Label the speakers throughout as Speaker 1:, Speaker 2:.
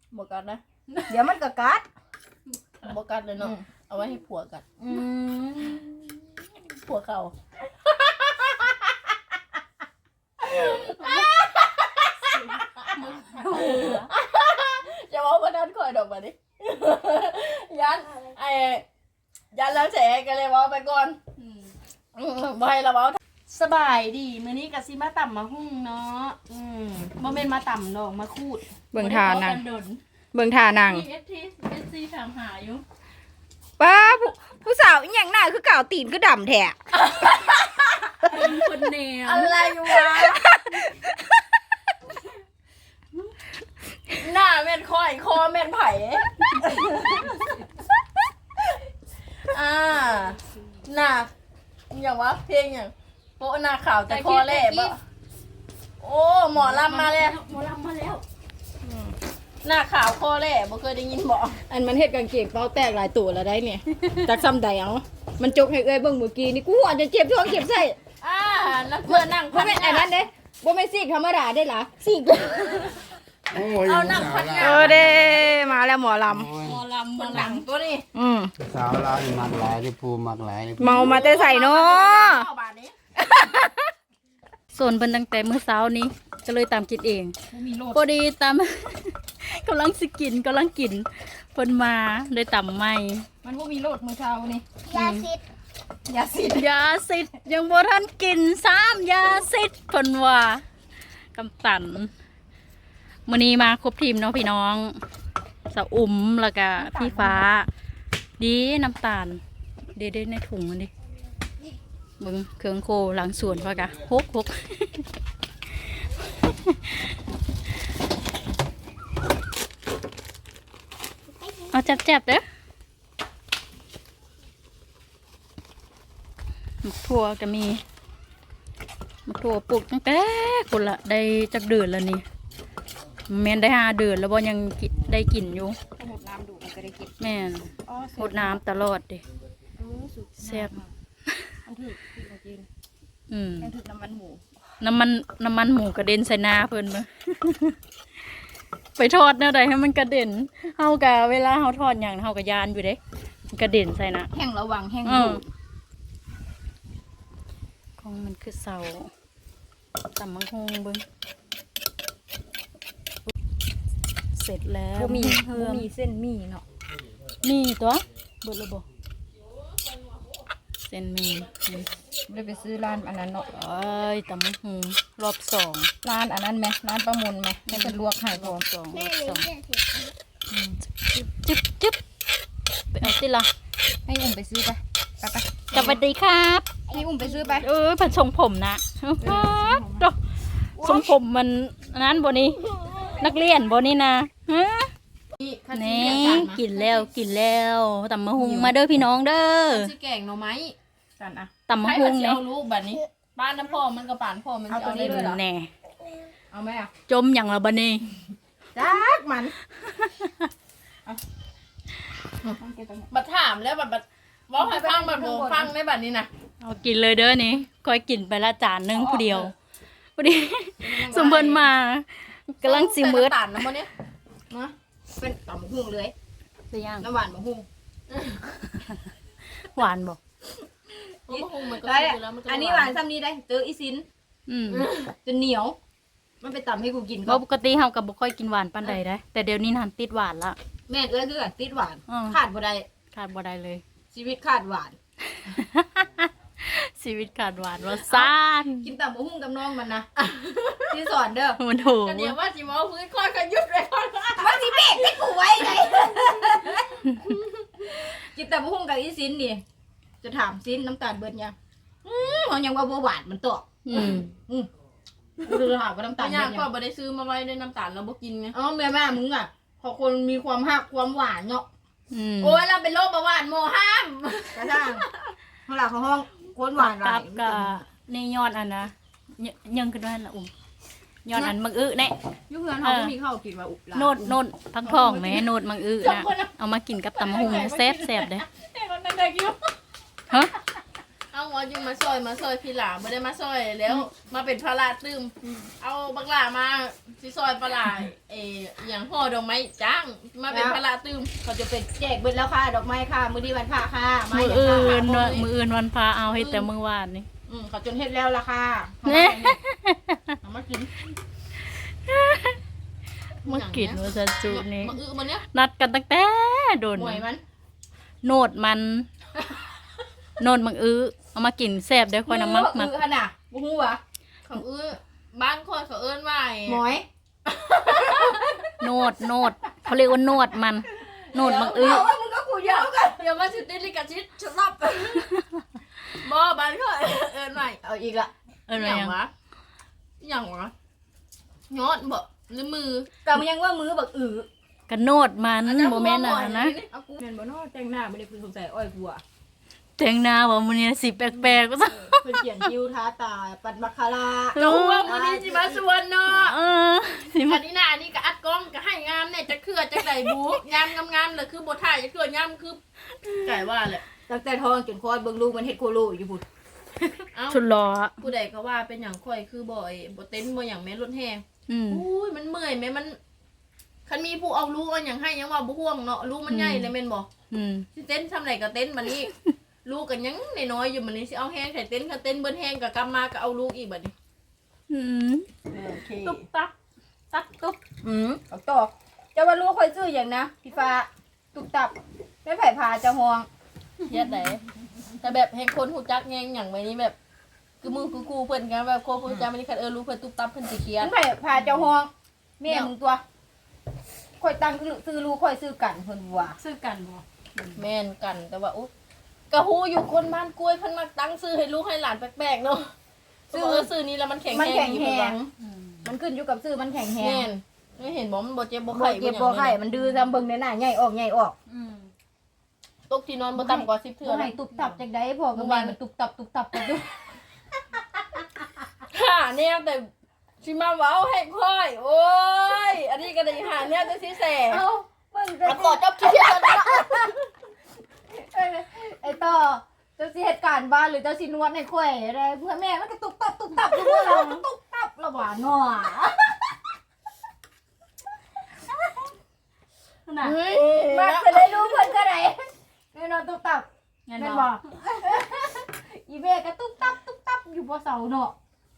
Speaker 1: บกัดนะ
Speaker 2: เดี๋ยวมันก็กัด
Speaker 1: บกัดเลยเนาะเอาไว้ให้ผัวกัดผัวเขาจะว่าวันนั้นคอยดอกมาดิยันยันแล้วแฉกันเลยว่าไปก่อนใบละเว้าสบายดีมื้อนี้ก็สิมาต่ำมาหุ่งเนาะบ่แม่นมาต่ำดอกมาคูด
Speaker 2: เบิ่งทานัง
Speaker 1: เ
Speaker 2: เบิ่งทานัง
Speaker 1: SC ถามหาอยู่
Speaker 2: ป้าผู้สาวอีหยังหน้าคือเก่าตีนคือดำแท้
Speaker 1: เป็นคนแนวอะไรวะหน้าแม่นค่อยคอแม่นไผ่หน้าอย่างวะเพลงอย่างโป๊ะหน้าขาวแต่คอแหลบอะโอ้หมอลำมาแล้วหน้าขาวคอแหลบบ่เคยได้ยินบอกอันมันเฮ็ดกางเกงเป้าแตกหลายตัวแล้วได้เนี่ยจากซ้ำใดเอามันจกให้เอ้ยเบิ่งเมื่อกี้นี่กูอาจจะเจ็บท้องเจ็บไส้นักเพื่อนนั่งบ่แม่นอันนั้นเด้บ่แม่นซีกธรรมดาได้ล่ะซีกเอานั่งพันงาเด้มาแล้วหมอลำหลังตัวนี้
Speaker 3: สาวเรานี่มักหลายที่ภูมักหลาย
Speaker 2: เมามาแต่ใส่เนาะ
Speaker 4: ส่วนเพิ่นตั้งแต่มื้อเช้านี้ก็เลยตามกินเองพอดีตาม กำลังสิกินเพิ่นมาเลยตำใหม่
Speaker 1: มันบ่มีโลดมื้อเช้านี่
Speaker 4: ยาสิทธิ์ยังบ่ทันกิน3ยาสิทธิ์เพิ่นว่ากำตันมื้อนี้มาครบทีมเนาะพี่น้องสะอุ่มแล้วก็พี่ฟ้าดีน้ำตาลเด้ๆในถุงมันดิเบิ่งเครื่องโคหลังสวนว่ากะฮกเอาจับเด้อหมักถั่วก็มีหมักถั่วปลูกตั้งแต่คนละได้จักเดือนแล้วนี่แม่นได้5 เดือนแล้วบ่ยังได้กินอยู่
Speaker 2: หดน้ำดูมันก็ได้กิน
Speaker 4: แม่นหดน้ำตลอดดิแซ่บ
Speaker 2: มันถือจริงมันถือน้ำมันหมู
Speaker 4: น้ำมันหมูกระเด็นใส่หน้าเพิ่นมา ไปทอดแนวใดให้มันกระเด็นเฮากะเวลาเฮาทอดอย่างเฮากะยานอยู่เด้มันกระเด็นใส่หน้า
Speaker 2: แห้งระวังแห้ง
Speaker 4: ของมันคือเสาตำมังคงเบิ่งเสร็จแล้ว
Speaker 2: บ่มี
Speaker 4: เพิ่ม
Speaker 2: เส้นมีเนาะ
Speaker 4: มีตัวเบิดแล้วบ่เส้นมี
Speaker 2: ได้ไปซื้อร้านอันนั้นเนาะ
Speaker 4: เอ้ยตำมังคงรอบ2
Speaker 2: ร้านอันนั้นไหมร้านประมูลไหมให้เป็นลวกให้พอ
Speaker 4: รอบ2จึ๊บไปเอาสิล่ะ
Speaker 2: ให้อุ้มไปซื้อไปไป
Speaker 4: สวัสดีครับ
Speaker 2: ให้อุ้มไปซื้อไป
Speaker 4: ผัดทรงผมนะดอกทรงผมมันนั้นบนี้นักเรียนบนี้นะฮะนี่กินแล้วตำมะฮุงมาเด้อพี่น้องเด้อ
Speaker 1: สิแกงหน่อไม้กันอ่ะ
Speaker 4: ตำมะฮุง
Speaker 1: เนี่
Speaker 4: เนี่ย
Speaker 1: เอาลูกแบบนี้บ้านน้ำพ่อมันก็ป่านพ่อมันจะเอาได้เลยเหรอ
Speaker 4: แน่
Speaker 1: เอาไหมอ่ะ
Speaker 4: จมอย่างละบนี้
Speaker 2: จักมัน
Speaker 1: บัดถามแล้วบัดว่าให้ฟังบัดโบฟังได้บัดนี้นะ
Speaker 4: เอากินเลยเด้อนี่คอยกินไปละจานนึงผู้เดียวพอดีสมเพิ่นมากำลังสิมืด
Speaker 1: ตันนะมันเนี้ยนะ
Speaker 2: เป็นต่อมหุ่งเลย
Speaker 4: สิย่าง
Speaker 2: น้ำหวานมะหุ่ง
Speaker 4: หวานบ่
Speaker 2: ได้อันนี้หวานซ้ำนี้ได้เจออีซินจนเหนียวมันไปตำให้กูกิน
Speaker 4: เพราะปกติเฮาก็บ่ค่อยกินหวานปานใดได้แต่เดี๋ยวนี้หันติดหวานละ
Speaker 2: แม่เอ้ยคือกันติดหวานขาดบ่ได้
Speaker 4: ขาดบ่ได้เลย
Speaker 2: ชีวิตขาดหวาน
Speaker 4: ชีวิตขาดหวานว่าซ่าน
Speaker 2: กินแต่หมูหุ้งกับน้องมันนะที่สอนเด้อ
Speaker 4: มันถูก
Speaker 1: กันเดี๋ยวว่าจิมเอาพื้นค่อยกันยุบเลยค่อย
Speaker 2: มันสิเบรกให้กูไว้ไงกินแต่หมูหุ้งกับอีซินนี่จะถามซินน้ำตาลเบิดยังเขายังว่าบ่หวานมันตอกคือถามว่าน้ำตาล
Speaker 1: ยา
Speaker 2: เบิ
Speaker 1: ก
Speaker 2: ด
Speaker 1: ก็
Speaker 2: ยัง
Speaker 1: บ่ได้ซื้อมาไว้ด้วยน้ำตาลเราบ่กินไง
Speaker 2: อ๋อแม่มึงอ่ะพอคนมีความหักความหวานเนาะ
Speaker 1: โอ้ยเราเป็นโรคเบาหวานโมห้าม
Speaker 2: กระด้างเวลาเขาห้องคนหวาน
Speaker 4: กับนี่ยอดอันนะยังขึ้นมาละยอดอันมังอึแน่
Speaker 2: ยุคนั้นเขาก็มีข้าวกินมาอุบลา
Speaker 4: โนดพักทองแม่โนดมังอึนะเอามากินกับตำหุงแซ่บเด้
Speaker 1: แต่คนนั้นได้กิน
Speaker 4: ฮะ
Speaker 1: เอา
Speaker 2: ว่าอยู่มาซอยพี่หลาไม่ได้มาซอยแล้วมาเป็นภาระตึมเอาบักหลามาสิซอยปลาอย่างห่อดอกไม้จ้างมาเป็นภาระตึม
Speaker 1: เขาจะเป็นแจกเบิดแล้วค่ะดอกไม้ค่ะมื้อนี้วันพระค่ะ
Speaker 4: มือ
Speaker 1: อย่า
Speaker 4: อื่
Speaker 1: ค่ะ
Speaker 4: นมืออื่นวันพาเอาให้แต่มื้อวานนี่
Speaker 2: เขาจนเฮ็ดแล้วล่ะค่ะ
Speaker 4: เนี่ย
Speaker 2: เอามากิน
Speaker 4: มากินว่าจะจุนี่
Speaker 2: มันเนี้ย
Speaker 4: นัดกันตั้งแต่โดน
Speaker 2: หวยมัน
Speaker 4: โนดมันโนดมังเอามากินแซ่บเด้อค่อยน้ำมักมัก
Speaker 1: ขนาดบ่ฮู้วะ
Speaker 2: ของบ้านคนเขาเอิ้นว่า
Speaker 1: หมอย
Speaker 4: โนดเขาเรียกว่าโนดมันโนดมัง
Speaker 1: เอาว่ามึงก็กูยาวกัน
Speaker 2: อย่ามาสิติลิกาชิดชอบบ่บ้านเขาเอิ้นว่า
Speaker 1: เอาอีกละ
Speaker 4: อะไร
Speaker 2: อย่าง
Speaker 4: ยัง
Speaker 2: วะอย่างวะยอดบ่หรือมือ
Speaker 1: ก็มันยังว่ามือบักอือ
Speaker 4: กันโนดมันโมเมนต์นะ
Speaker 2: เอากู
Speaker 1: แม่นบ่เนาะแต่งหน้าบ่ได้เพิ่นสงสัยอ้อยกูอ่ะ
Speaker 4: แต่งหน้าว่ามันเนี่ยสิแปลกๆก็ซะ
Speaker 1: เพิ่นเขียนคิ้วทาตาปัดมัคคารา
Speaker 2: ก็ฮู้ว่ามื้อนี้สิมาสวนเนาะ
Speaker 4: สิ
Speaker 2: อั
Speaker 4: มาน
Speaker 2: นี้น่ะอันนี้ก็อัดกล้องก็ให้งามเนี่ยจะเครือจะได้บูงามเลยคือบ่ถ่ายจะเครืองามคือไก่ว่าแหละ
Speaker 1: ตั้งแต่ท้องจนคลอดเบิ่งลูกมันเฮ็ดโคโลอยู่พุ่น
Speaker 2: เอ้า
Speaker 4: ชุดล้อ
Speaker 2: ผู้ใดก็ว่าเป็นหยังข่อยคือบ่เต้นบ่หยังแม่รถแฮ อุ้ยมันเมื่อยแม่มันคันมีผู้เอาลูกเอาหยังให้ยังว่าบ่ห่วงเนาะลูกมันใหญ่เลยแม่นบ่สิเต้นทำไรก็เต้นบัดนี้ ลูกกันยังน้อยๆอยู่บัดนี้สิเอาแห้งใส่เต้นก็เต้นเบิ่นแห้งก็กลับมาก็เอาลูกอีกบัดนี้
Speaker 1: โอเค
Speaker 2: ตุ๊บตับตับตุ๊บ
Speaker 1: เอาต่อจะว่าลูกค่อยซื้อหยังนะพี่ฟ้าตุกตับไม่ไผพาจะห่วง
Speaker 2: เฮ็ดได้แต่แบบแห่งคนฮู้จักแยงหยังไว้นี้แบบคือมือคือกูเพิ่นกันแบบโคผู้จักมันนี่คันลูกเพิ่นตุ๊บตับเพิ่นสิเครียด
Speaker 1: ไม่ไผพาจะห่วงแม่มึงตัวค่อยตั้งซื้อลูกค่อยซื้อกันเพิ่นว่า
Speaker 4: ซื้อกันบ่
Speaker 2: แม่นกันแต่ว่าอุ๊ยก็ฮู้อยู่คนบ้านกล้วยเพิ่นมักตั้งชื่อให้ลูกให้หลานแปลกๆเนาะชื่อนี้แล้วมันแข็ง
Speaker 1: มัน
Speaker 2: แรง
Speaker 1: แข็ง
Speaker 2: ดี
Speaker 1: แห
Speaker 2: เพิ่นว่า
Speaker 1: งมันขึ้นอยู่กับซื้อมันแข็งแห
Speaker 2: แม่
Speaker 1: ง
Speaker 2: นไม่เห็นบ่มันบ่เจ็บบ่
Speaker 1: บ่
Speaker 2: ไข้
Speaker 1: เจ็บบ่ไข้มันดื้อซำเบิ่งในหน้าใหญ่ออกใหญ่ออก
Speaker 2: ตกที่นอนบ่ต่ำกว่า10เทื่
Speaker 1: บ่
Speaker 2: อ
Speaker 1: ให้
Speaker 2: นะ
Speaker 1: ตุบตับจังได๋พ่อกับแม่มันตุบตับกันอยู่
Speaker 2: ค่ะเนี่ยแต่สิมาเว้าให้ค่อยโอ้ยอันนี้ก็ได้หาเนี่ยจะสิแส
Speaker 1: เอ้าเบิ่ง
Speaker 2: เอาขอจบคลิปก่อนเนาะ
Speaker 1: ไอ้ต่อเจ้าสิเหตุการณ์บ้านหรือเจ้าสินวดให้ข่อยอะไรเพื่อแม่มันก็ตุบตับอยู่เมื่อเราตุบตับละหว่าหน่อ
Speaker 4: น่ะ
Speaker 2: เฮ้ย
Speaker 1: มาจะได้รู้เพิ่นก็ได้แน่นอนตุบตับ
Speaker 4: งั้น
Speaker 1: แม่น
Speaker 4: บ่
Speaker 1: บ่อีแม่ก็ตุบตับอยู่บ่เสาเนาะ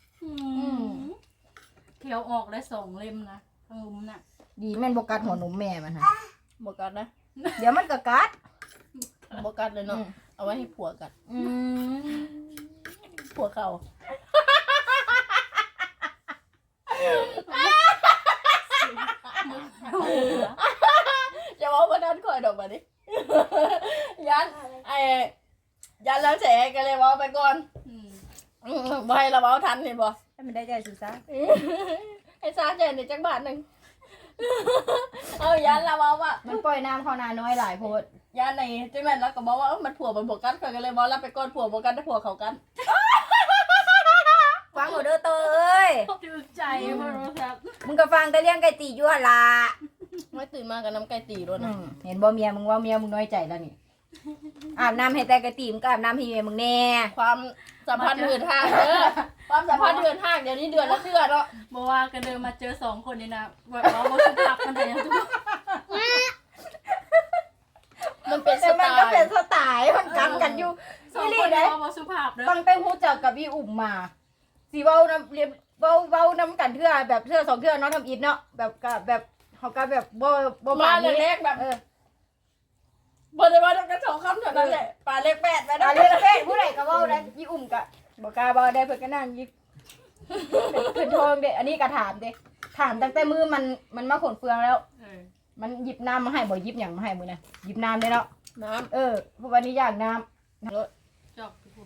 Speaker 4: เขียวออกได้2เล่มนะทั้งลุมน่ะ
Speaker 1: ดีแม่นบ่กัดหัวนมแม่มันฮะ
Speaker 2: บ่กัดนะ
Speaker 1: เดี๋ยวมันก็กัด
Speaker 2: บ่กัดเลยเนาะเอาไว้ให้ผัวกัด
Speaker 1: อืม
Speaker 2: ผัวเขาจะเว้าบ่นั้นค่อยดอกบัดนี้ยันยันแล้วแฉก็เลยเว้าไปก่อนบ่ให้เราเว้าทันเห็นบ่
Speaker 1: ให้มันได้ใจสุดซะ
Speaker 2: ให้ซาใจในจักบาทหนึงเอายันเราเว้าว่า
Speaker 1: มันปล่อยน้ำเข้านาน้อยหลายโพด
Speaker 2: ยันในจังแม่นแล้วก็บอกว่ามันผัวมันบ่กันข่อยก็เลยเว้ารับไปก่อนผัวบ่กันแต่ผัวเขากัน
Speaker 1: ฟังเอาเด้อเตอเอ้ย
Speaker 4: ถูกใจบ่รู้ครับ
Speaker 1: มึงก็ฟังแต่เลี้ยงไก่ตีอยู่หั่นล่ะ
Speaker 2: ไม่ตื่นมากับน้ำไก่ตีด้วยนะ
Speaker 1: เห็นบ่เมียมึงว่าเมียมึงน้อยใจแล้วนี่ อาบน้ำให้แต่ไก่ตีมึงก็อาบน้ำให้เมียมึงแน่
Speaker 2: ความสัมพันธ์เดือนห้างเด้อความสัมพันธ์เดือนห้างเดี๋ยวนี้เดือนละเทื่อเนาะ
Speaker 4: บ่ว่ากันเดินมาเจอ2คนนี่นะแบบว่าบ่สุภาพกันแต่ยังทุก
Speaker 2: มันเป็นส
Speaker 1: แต่
Speaker 2: ไต
Speaker 1: มันก็เป็น
Speaker 2: ล์
Speaker 1: สไตล์มันกันอยู่
Speaker 4: สอง
Speaker 1: นี่
Speaker 4: คน
Speaker 1: ได้
Speaker 4: ว่าบ่สุภาพเด้อ
Speaker 1: ตั้งแต่ฮู้จักกับอีอุ่มมาสิเว้านํเรียนเว้านํกันเทื่อแบบเทื่อ2เทื่อเนาะทำอิฐเนาะแบบก็แบบเฮาก็แบบบ่
Speaker 2: มา
Speaker 1: ปานนี้
Speaker 2: แรกๆแบบบ่ได้ว่าต้องกัน2คำเท่านั้นแหละปลาเล็กแปดไป
Speaker 1: อ่ะ
Speaker 2: ได้
Speaker 1: เรียกแฟนผู้ใดก็เว้าได้อีอุ่มก็บ่กล้าเว้าได้เพิ่นก็นั่งยิบขึ้นโทงเด้อันนี้ก็ถามเด้ถามตั้งแต่มือมันมาขนเฟืองแล้ว มันหยิบน้ำมาให้บ่หยิบหยังมาให้มื้อนะหยิบน้ำได้แล้ว
Speaker 2: น้
Speaker 1: เพราะวันนี้อยากน้ำ
Speaker 4: จบทุกคน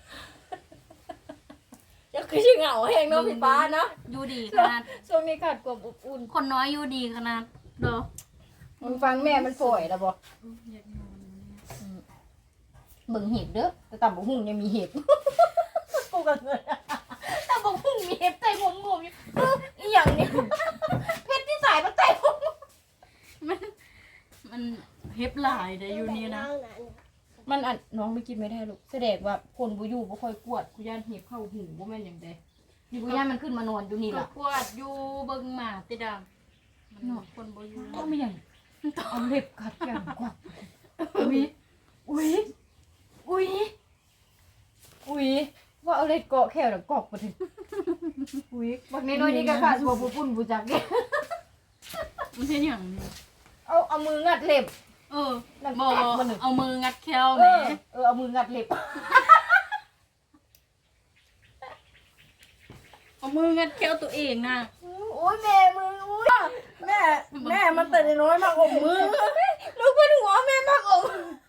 Speaker 2: ำจะคือสิเหงาแฮงเนาะพี่ป้าเนาะ
Speaker 4: อยู่ดีขนาด
Speaker 1: ช่วงนี้ขาดความอบอุ่น
Speaker 4: คนน้อยอยู่ดีขนาดเด้อ
Speaker 1: มึงฟังแม่มันป่วยแล้วบ่
Speaker 4: อยากนอน
Speaker 1: เบิ่งเห็บเด้อแต่ตำบักหุ่งยังมีเห็บ กูก็เงินตำบักหุ่งมีเห็บใต้ผมงมอยู่อีหยังเนี่ยเพชรที่สายมันใต้ผม
Speaker 4: มันเฮ็บหลายเด้ออยู่นี่นะ
Speaker 1: มันอันน้องไม่กินไม่ได้ลูกแสดงว่าคนบ่อยู่บ่ค่อยกวดกูย่านเห็บเข้าหูบ่แม่นหยังใดนี่กูย่านมันขึ้นมานอนอยู่นี่
Speaker 4: ก็
Speaker 1: ล่ะ
Speaker 4: กวดอยู่เบิ่งหมาติดมันนอนคนบ่อยู่
Speaker 1: ก็ไม่หยังเอาเล็บกัดอย่างกว่าอุ้ยอุ้ยอุ้ยอุ้ยว่าเอาเล็บเกาะแค่แล้วกอกบ่ถึงอุ้ยบักน้อยๆนี่ก็ขาดบ่ปุ่นบ่จักเด้
Speaker 4: มันเป็นหยังนี่
Speaker 1: เอามืองัดเล็บ
Speaker 4: บ่เอามืองัดแควแหม
Speaker 1: เอามืองัดเล็บ
Speaker 4: เอามืองัดแควตัวเองน่ะ
Speaker 1: โอ้ยแม่มืออุ้ยแม่มันแต่น้อยมากอมมือลูกเป็นหัวแม่มากอม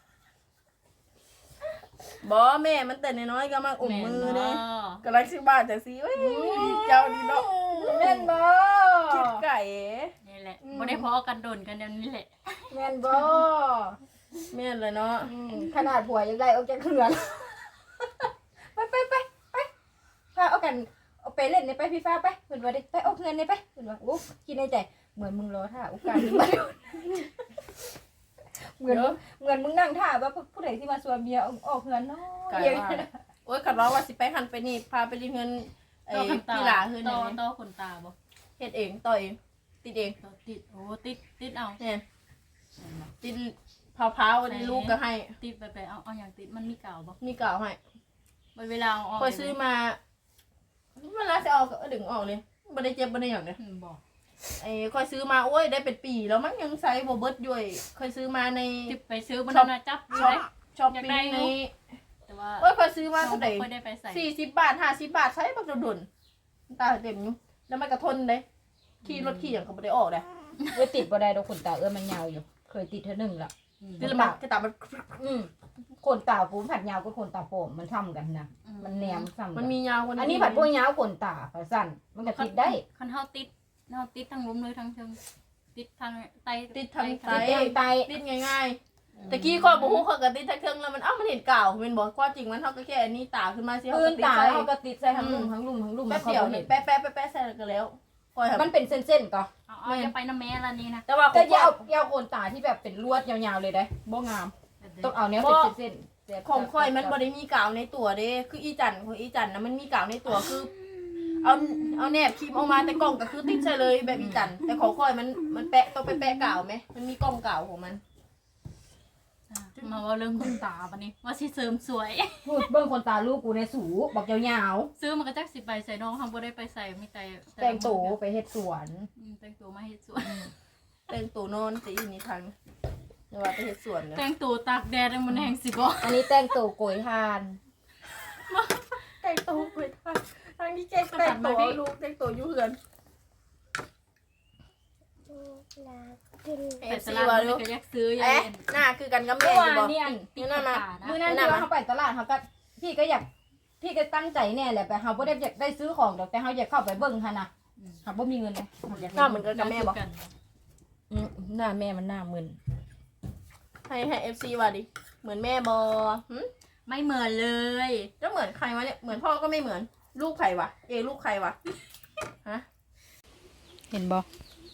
Speaker 1: บ่แม่มันแต่น้อยก็มากอมมือเด้กำลังสิบาทจังซี่เอ้ยเจ้าดีเนาะแม่นบ่คิดไก่
Speaker 4: นี่แหละบ่ได้พอกันโดนกันเดี๋ยวนี้แหละ
Speaker 1: แม่นบ่แม่นเลยเนาะขนาดผัวยังได้ออกจากเขื่อนไปพาเอากันเอาไปเล่นในไปพี่ฟ้าไปเพิ่นว่าดิไปเอาเงินในไปเพิ่นว่าโอ้คิดในใจเหมือนมึงรอท่าโอกาสนี้มาโดนเหมือนมึงนั่งท่าว่าผู้ใดที่มาชวนเมียออกเงินเนาะโอ้ยกัดร้องว่าสิไปหันไปนี่พาไปรีเงินไอ้พี่หลาเฮือน
Speaker 4: ต่อขนตาบ่
Speaker 1: เฮ็ดเองต่อเองติดเอง
Speaker 4: ติดติดเอา
Speaker 1: เนี่ยติดพาวๆนี่ลูกก็ให้
Speaker 4: ติดไปเอาอย่างติดมันมีกาวบ่
Speaker 1: มีกาวให้
Speaker 4: เวลาเอาออก
Speaker 1: คอยซื้อมาเวลาจะออกก็ดึงออกเลยบ่ได้เจ็บบ่ได้หยังเลย
Speaker 4: บ่
Speaker 1: ไอ้คอยซื้อมาโอ้ยได้เป็นปีแล้วมันยังใช้บ่เบิดอยู่คอยซื้อมาใน
Speaker 4: ติดไปซื้อบ่น่าจับอยู่
Speaker 1: ช็อป
Speaker 4: อยาก
Speaker 1: ปิ้
Speaker 4: ได้
Speaker 1: ง
Speaker 4: อยู่
Speaker 1: ใน
Speaker 4: แต่ว่า
Speaker 1: โอ้ยคอยซื้อมาเท่าไหร่
Speaker 4: บ่ได้ไปใส่
Speaker 1: 40 บาท50 บาทใช้บักดุนตาเต็มอยู่แล้วมันก็ทนเด้ขี่รถขี่หยังก็บ่ได้ออกเด้เอ้ยติดบ่ได้ดอกขนตามันยาวอยู่เคยติดเท่านึงละคือมันคือตามันขนตาปูผัดยาวกับขนตาโปมมันซ้ำกันนะมันแนมซ้ำมันมียาวอันนี้ผัดพวกยาวขนตาสั้นมันก็ติดได้
Speaker 4: คันเฮาติดทั้งล้มเลยทั้งเชิงติดทางไต
Speaker 1: ติดทางไตติดง่ายๆตะกี้ข้อยบ่ฮู้ข้อยก็ติดทางเครื่องแล้วมันมันเห็นกาวแม่นบ่ความจริงมันเฮาก็แค่อันนี้ตาขึ้นมาสิเฮาก็ติดใส่เฮาก็ติดใส่ทั้งลุ่มแป๊บเดียวนี่แป๊ะๆใส่ก็แล้วมันเป็นเส้นๆก็
Speaker 4: เอาจะไปน้ำแม่ละนี่นะ
Speaker 1: แต่ว่าก็อย่าโอนตาที่แบบเป็นลวดยาวๆเลยได้บ่งามต้องเอาเนี้ยเป็นเส้นๆของข้อยมันบ่ได้มีกาวในตัวเด้คืออีจันของอีจันนะมันมีกาวในตัวคือเอาแนบครีมออกมาแต่กล่องก็คือติดใส่เลยแบบอีจันแต่ของข้อยมันแปะต้องไปแปะกาวไหมมันมีกล่องกาวของมัน
Speaker 4: มาว่าเรื่องขนตาปะนี่ว่าสิเสริมสวย
Speaker 1: พูดเบิ่งคนตาลูกกูในสูบอกยาว
Speaker 4: ซื้อมันก็จักสิไปใส่น้องทำบ่ได้ไปใส่มีแต่
Speaker 1: ๆแต่งตัวไปเฮ็ดสวน
Speaker 4: แต่งตัวมาเฮ็ดสวน
Speaker 1: แต่งตัวนอนสิอยู่นี่ทางเดี๋ยวว่าไปเฮ็ดสวนเนอะ
Speaker 4: แต่งตัวตากแดดมันแห้งสิบ่
Speaker 1: อันนี้แต่งตัวโกยทานแต่งตัวโกยทานทางที่เจ๊แต่งตัวลูกแต่งตัวอยู่เฮือน
Speaker 4: ไปตลาดมันก็อยากซื้ออยาก
Speaker 1: เอ๊ะ
Speaker 4: เห็น
Speaker 1: หน้าคือกันกับแม่อยู่บ่นี่นั่นนะมื้อนั้นที่ว่าเขาไปตลาดเขาก็พี่ก็อยากพี่ก็ตั้งใจแน่แหละแต่เขาบ่ได้อยากได้ซื้อของดอกแต่เขาอยากเข้าไปเบิ่งหั่นน่ะเขาบ่มีเงินเลยหน้าเหมือนกันกับแม่บ่หน้าแม่มันหน้ามึนให้ FC ว่าดิเหมือนแม่บ่หึ
Speaker 4: ไม่เหมือนเลย
Speaker 1: จะเหมือนใครวะเนี่ยเหมือนพ่อก็ไม่เหมือนลูกใครวะลูกใครวะฮะ
Speaker 4: เห็นบ่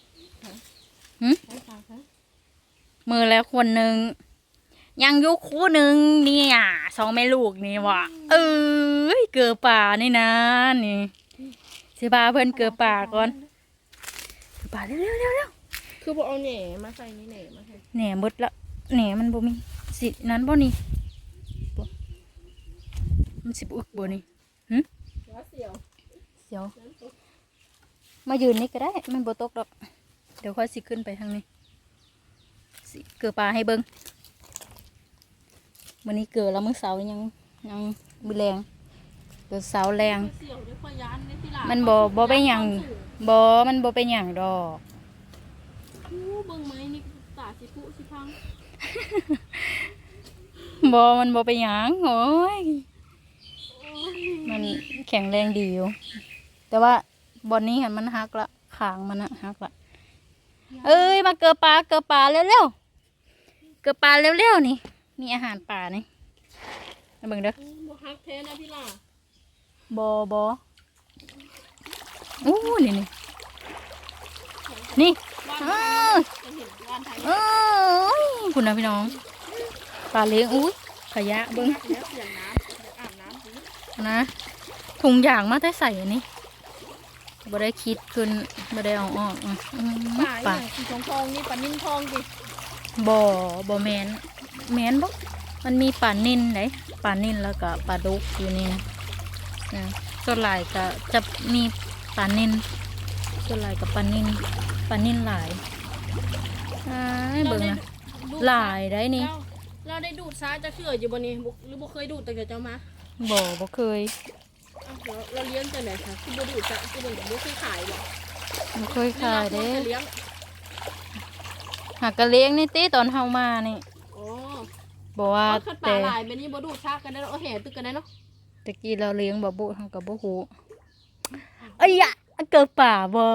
Speaker 4: มือแล้วคนหนึ่งยังยุคคู่หนึ่งเนี่ยสองแม่ลูกนี่ว่ะเกือป่านี่นะนี่สิพาเพื่อนเกือป่าก่อนเกือป่าเร็ว
Speaker 1: คือบ่เอาแหน่มาใส่นี่แหน่มาใส่
Speaker 4: แหน่หมดละแหน่มันบ่มีสินั้นบ่นี่บ่มันสิบอึกบ่นี่
Speaker 1: เสียว
Speaker 4: เดี๋ยวมายืนนี่ก็ได้มันบ่ตกดอกเดี๋ยวค่อยสิขึ้นไปทางนี้สิเกือป่าให้เบิ่งมื้อนี้เกือแล้วมื้อเสาร์ยังมื้อแรงเกือเสาร์แรงมันบ่เป็นหยังมันบ่เป็นหยังดอกเบิ่งมั้ยนี่ตาสิพุสิพัง มันบ่เป็นหยังโอ้ยมันแข็งแรงดีอยู่แต่ว่าบอนนี้เห็นมันหักละขางมันนะหักละมาเกลือปลาเร็วๆเกลือปลาเร็วๆนี่มีอาหารป่านี่มาเบิ่งเด้อ
Speaker 1: บ่ฮักแท้นะพี่ล่ะ
Speaker 4: บ่อู้นี่คุณนะพี่น้องปลาเลี้ยงอุ้ยขยะเบิ้ง
Speaker 2: แล้วเสียงน้ำอาบน้ำสิ
Speaker 4: นะถุงยางมาได้ใส่อันนี้บ่ได้คิดขึ้นบ่ได้เอาออก
Speaker 2: ป่าอ
Speaker 4: ปลา
Speaker 2: ย่างสีทองนี่ปลานิ่มทองสิ
Speaker 4: บ่แมนบ่มันมีปลานิ่นไหนปลานิ่นแล้วก็ปลาดุกอยู่นี่นะส่วนหลายก็จะมีปลานิ่นส่วนหลายกับปลานิ่นหลายเบิ่งนะหลายได้นี่
Speaker 2: เราได้ดูดซ้ายจะเชื่ออยู่บนนี้หรือบ่เคยดูดแต่เจ้ามา
Speaker 4: บ่เคย
Speaker 2: เราเลี้ยงแต่ไหนคะคือบ่ดูดจะคือบ่เคยขายหรอก
Speaker 4: บ่เคยขายเด้
Speaker 2: เลี้ยง
Speaker 4: หากกะเลี้ยงนี่ติตอนเฮามานี่
Speaker 2: อ๋อ
Speaker 4: บ่ว่า
Speaker 2: ขัดปลา
Speaker 4: แต่
Speaker 2: หลายแบบนี้บ่ดูดชากกันได้เอาแห่ตึกกันได้เนาะ
Speaker 4: ตะกี้เราเลี้ยงบ่บุเฮาก็บ่ฮู้เอ้ยอะเกิดป่าบ่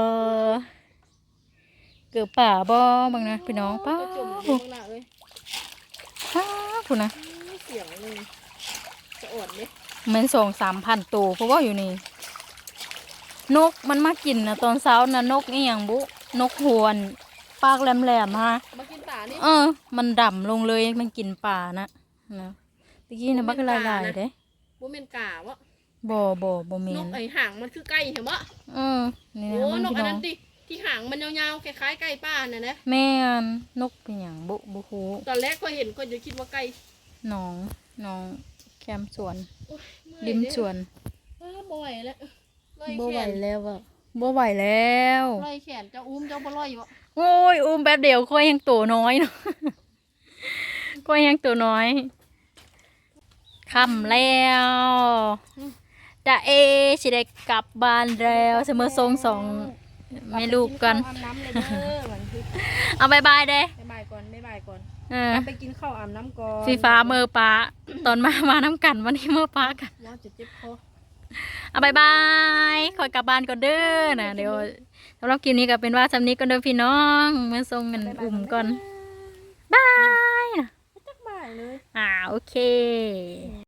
Speaker 4: เกิดป่าบ่บังนะพี่น้องป้า
Speaker 2: ก็จุ่มอยู่ข้างหน้าเอ้ย
Speaker 4: พุ่นนะ
Speaker 2: เสียงเลยจะอ่อนเด้
Speaker 4: แม่น2-3,000ตัวเพราะว่าอยู่นี่นกมันมากินนะตอนเช้านะนกอีหยังบุนกหวนปากแหลมๆฮะ
Speaker 2: มากินตานี่
Speaker 4: มันดำลงเลยมันกินป่านะตะกี้นะบักหลายๆเด้
Speaker 2: บ่แม่นกาวะ
Speaker 4: บ่แม่
Speaker 2: นก
Speaker 4: น
Speaker 2: ไอ้หางมันคือไก่เห็นบ่
Speaker 4: นี่
Speaker 2: โอ้
Speaker 4: นะมัน
Speaker 2: นก
Speaker 4: พี่
Speaker 2: อัน
Speaker 4: น้อ
Speaker 2: นั้
Speaker 4: ง
Speaker 2: นติที่หางมันยาวๆคล้ายๆไก่ป้าน่ะนะ
Speaker 4: แม่นนกเป็นหยังบ่ฮู้
Speaker 2: ตอนแรกก็เห็นก็จะคิดว่าไก่
Speaker 4: น้องแคมสวน
Speaker 2: โอ้ยเมื่อย
Speaker 4: ริมสวน
Speaker 2: บ่ไหวแล้วลอย
Speaker 4: บ่
Speaker 2: แข
Speaker 4: ไหวน แล้วอ่ะบ่ไหวแล้ว
Speaker 2: ลอยแขนเจ้าอุ้มเจ้าบ่ลอยบ่
Speaker 4: โอ้ยอุ้มแป๊บเดียวค่อยยังตัวน้อยเนาะ ค่อยยังตัวน้อยค่ำแล้วจะสิได้กลับบ้านแล้วเสมอทรงสองแม่ลูกกัน
Speaker 2: อาบน้ำเลยเด้อวันที่
Speaker 4: เอาบายบายเด้
Speaker 2: บ๊ายบายก่อนบ๊ายบายก่อน
Speaker 4: ไป
Speaker 2: กินข้าวอาบน้ำก่อน
Speaker 4: ฟีฟ้าเมอป้าตอนมาน้ำกันวันนี้เมอป้ากัน
Speaker 2: ว่าจะเจ็บคอ
Speaker 4: เอาบายบายคอยกลับบ้านก่อนเด้อนะเดี๋ยวสำหรับคลิปนี้ก็เป็นว่าสำนี้ก่อนเด้อพี่น้องเมื่อทรงกันอุ่มก่อนบายนะ
Speaker 2: จักบ่ายเลย
Speaker 4: โอเค